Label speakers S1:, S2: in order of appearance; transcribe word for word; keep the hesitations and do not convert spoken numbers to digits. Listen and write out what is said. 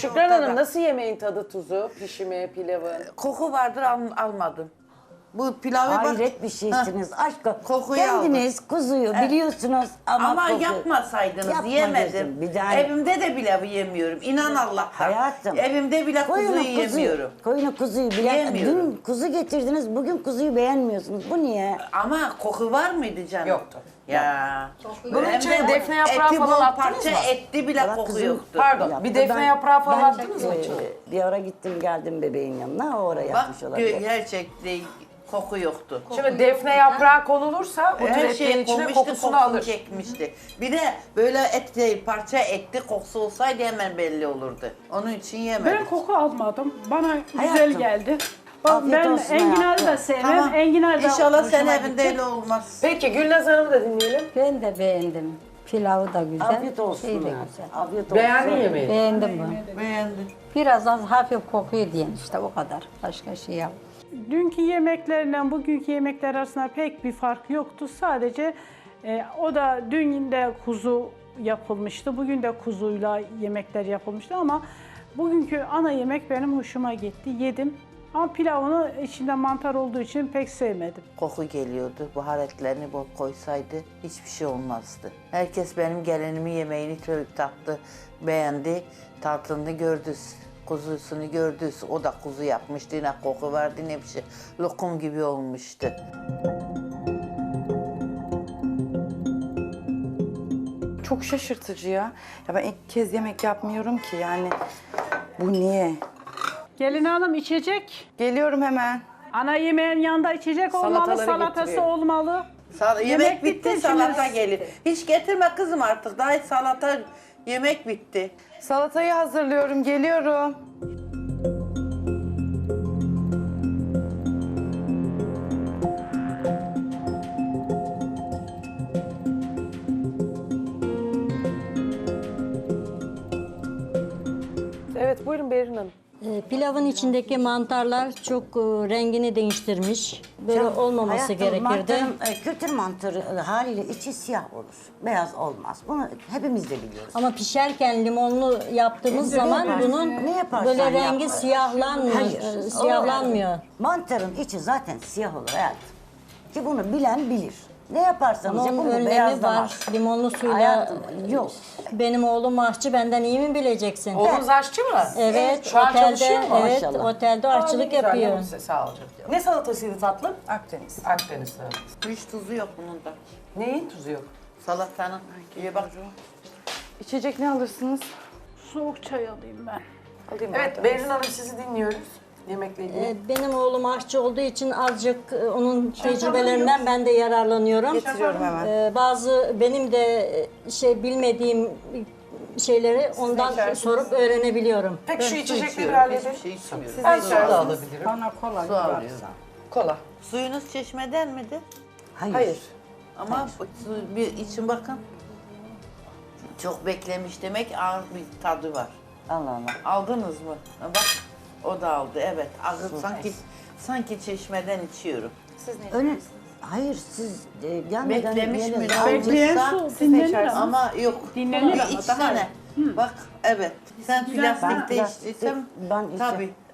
S1: Şükran
S2: ortada.
S1: Hanım nasıl yemeğin tadı tuzu, pişimi, pilavı?
S2: Koku vardır al, almadım. Bu pilavı bak.
S3: Hayret bir şeysiniz. Aşkım.
S2: Kokuyu
S3: Kendiniz kuzuyu biliyorsunuz ama,
S2: Ama
S3: koku-
S2: yapmasaydınız
S3: Yapmayacaksın.
S2: yemedim.
S3: Bir tane-
S2: Evimde de pilavı yemiyorum. İnan Allah'a.
S3: Hayatım.
S2: Evimde bile
S3: Koyunu
S2: kuzuyu
S3: kuzu,
S2: yemiyorum.
S3: Koyunu kuzuyu bilen,
S2: Yemiyorum.
S3: dün kuzu getirdiniz, bugün kuzuyu beğenmiyorsunuz. Bu niye?
S2: Ama koku var mıydı canım?
S1: Yoktu.
S2: Ya.
S1: Bunun
S2: Hem
S1: içine
S2: de
S1: defne yaprağı
S2: eti
S1: falan
S2: bol
S1: attınız
S2: parça
S1: mı?
S2: etli bile
S3: Valla
S2: koku
S3: kızım-
S2: yoktu.
S1: Pardon,
S3: Yaptı.
S1: bir defne
S3: Ben-
S1: yaprağı falan
S3: ben,
S1: attınız mı
S3: e,
S1: içine?
S3: Bir ara gittim geldim bebeğin yanına, o oraya
S2: Bak
S3: yapmış olabilir.
S2: gerçekten koku yoktu.
S1: Şimdi defne yaprağı konulursa o tür
S2: Her
S1: etlerin
S2: şey
S1: içine
S2: konmuştu,
S1: kokusunu
S2: kokusunu
S1: alır.
S2: çekmişti. Bir de böyle et değil, parça etli kokusu olsaydı hemen belli olurdu. Onun için yemedik.
S4: Ben koku almadım. Bana güzel
S3: Hayatım.
S4: geldi. Bak,
S3: Afiyet
S4: ben
S3: olsun
S4: enginarı
S3: hayatım.
S4: da sevmem.
S2: Tamam.
S4: Enginar da
S2: İnşallah sen
S4: hoşuma
S2: evinde
S4: gitti.
S2: öyle olmaz.
S1: Peki Gülnaz Hanım'ı da dinleyelim.
S5: Ben de beğendim. Pilavı da güzel.
S3: Afiyet olsun.
S5: Şey de
S3: ya.
S5: güzel.
S3: Afiyet olsun.
S1: Beğendin yemeği.
S5: Beğendim bunu.
S2: Beğendim.
S5: Biraz az hafif kokuyor diyen işte o kadar. Başka şey yok.
S4: Dünkü yemeklerle bugünkü yemekler arasında pek bir fark yoktu. Sadece e, o da dün de kuzu yapılmıştı. Bugün de kuzuyla yemekler yapılmıştı ama bugünkü ana yemek benim hoşuma gitti. Yedim. Ama pilavını içinde mantar olduğu için pek sevmedim.
S2: Koku geliyordu. Baharatlarını bol koysaydı hiçbir şey olmazdı. Herkes benim gelinimin yemeğini çok tattı, beğendi. Tatlını gördü, kuzusunu gördü. O da kuzu yapmıştı. Ne koku vardı ne bir şey. Lokum gibi olmuştu.
S6: Çok şaşırtıcı ya. Ya ben ilk kez yemek yapmıyorum ki yani. Bu niye?
S4: Gelin hanım içecek.
S6: Geliyorum hemen.
S4: Ana yemeğin yanında içecek olmalı,
S1: Salataları
S4: salatası
S1: getiriyor.
S4: olmalı.
S2: Sal- yemek,
S4: Yemek
S2: bitti,
S4: bitti,
S2: salata
S4: şimdi-
S2: gelir. Hiç getirme kızım artık. Daha hiç salata, yemek bitti.
S6: Salatayı hazırlıyorum, geliyorum.
S1: Evet buyurun Berin Hanım.
S7: E, Pilavın içindeki mantarlar çok e, rengini değiştirmiş. Böyle olmaması
S3: Hayatım,
S7: gerekirdi.
S3: Mantarın, e, kültür mantarı e, haliyle içi siyah olur. Beyaz olmaz. Bunu hepimiz de biliyoruz.
S7: Ama pişerken limonlu yaptığımız zaman
S3: yaparsın,
S7: bunun
S3: ne yaparsan
S7: böyle
S3: yap.
S7: rengi siyahlanmıyor.
S3: Hayır.
S7: e, Siyahlanmıyor.
S3: Mantarın içi zaten siyah olur hayatım. Ki bunu bilen bilir. Ne yaparsanız
S7: Ama
S3: yapın
S7: onun
S3: bu
S7: önlemi
S3: beyazlamaz.
S7: var. Limonlu suyla.
S3: Hayatım, yok.
S7: Benim oğlum aşçı, benden iyi mi bileceksin?
S1: Oğlunuz aşçı mı?
S7: Evet,
S1: Şu an
S7: otelde,
S1: çalışıyor mu?
S7: evet,
S3: Maşallah.
S7: otelde
S1: Aa, ne
S7: aşçılık
S1: güzel,
S7: yapıyor.
S1: ne güzel, Sağ olun. Ne salatasıydı tatlım?
S6: Akdeniz.
S1: Akdeniz salatası.
S2: Hiç tuzu yok bunun da.
S1: Neyin tuzu yok?
S2: Salatanın. İyi bak.
S6: İçecek ne alırsınız?
S4: Soğuk çay alayım ben.
S6: Alayım
S1: Evet
S6: ben.
S1: Berin Hanım sizi dinliyoruz. Yemekle ilgili.
S7: Ee, Benim oğlum aşçı olduğu için azıcık e, onun tecrübelerinden ben de yararlanıyorum.
S6: Getiriyorum hemen.
S7: Ee, Bazı benim de e, şey bilmediğim şeyleri ondan
S1: içersiniz?
S7: sorup öğrenebiliyorum.
S1: Peki şu
S2: su
S1: içecekleri
S2: içiyorum,
S1: halledelim.
S2: hiçbir şey içmiyorum.
S1: Ben
S6: Siz
S1: su da
S6: içersiniz.
S1: alabilirim.
S5: Bana kola
S2: Su alıyorum.
S1: Kola.
S2: Suyunuz çeşmeden miydi?
S3: Hayır.
S1: Hayır.
S2: Ama bu su bir için bakın. Çok beklemiş demek ağır bir tadı var.
S3: Allah Allah.
S2: Aldınız mı? Ha, bak o da aldı evet. Ağır, sanki sanki çeşmeden içiyorum.
S3: Öyle, hayır siz e, gelmeden
S2: Beklemiş
S3: yeni-
S2: mi?
S4: Bekleyen
S2: Almışsa-
S4: su dinlenir ama.
S2: Ama yok.
S4: Dinlenir
S2: bir
S4: ama daha
S2: içsene. Bak evet. Sen
S3: Ben
S2: plastikte
S3: plastik-
S2: içtiysen
S3: ben içtim.
S2: tabii